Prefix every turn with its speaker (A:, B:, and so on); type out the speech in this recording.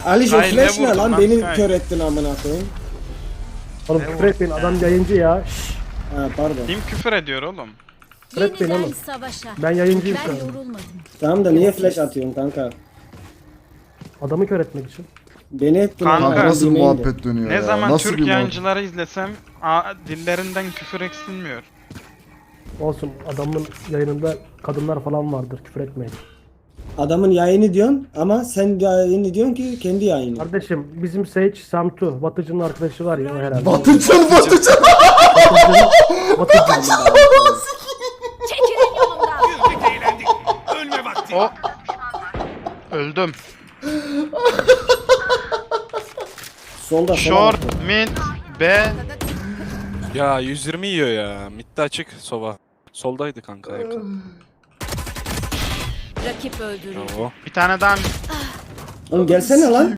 A: Alice
B: Sky
A: flash
B: ne
A: ne
B: vurdun
A: lan?
B: lan
A: Beni
B: Sky?
A: kör ettin amına koyayım.
C: Oğlum küfür etmeyin, adam yayıncı ya. Şşş.
A: Ha pardon.
B: Kim küfür ediyor oğlum?
C: Bırak beni
D: Yeniden
C: oğlum.
D: savaşa.
C: Ben yayıncıyım şu
D: Ben
C: an.
D: yorulmadım.
A: Tamam da niye flash atıyorsun kanka?
C: Adamı kör etmek için.
A: Beni ettin
B: Kanka,
A: ama
E: Kanka nasıl bir
A: yemeğin de.
E: muhabbet dönüyor
B: Ne
E: ya?
B: zaman
E: Nasıl
B: Türk
E: bir muhabbet?
B: yayıncıları izlesem dillerinden küfür eksilmiyor.
C: Olsun, adamın yayınında kadınlar falan vardır, küfür etmeyin.
A: Adamın yayını diyorsun ama sen yayını diyorsun ki kendi yayını.
C: Kardeşim bizim Sage Samtu, Batıcı'nın arkadaşı var ya herhalde.
E: Batıcan.
C: Batıcı.
D: Çekilin yolumdan.
B: O öldüm.
A: Solda
B: Short, mid, B.
F: Ya 120 yiyor ya. Midde açık sova. Soldaydı kanka yakın.
D: Rakip öldürüldü.
F: Bravo.
B: Bir tane daha
A: Oğlum gelsene lan.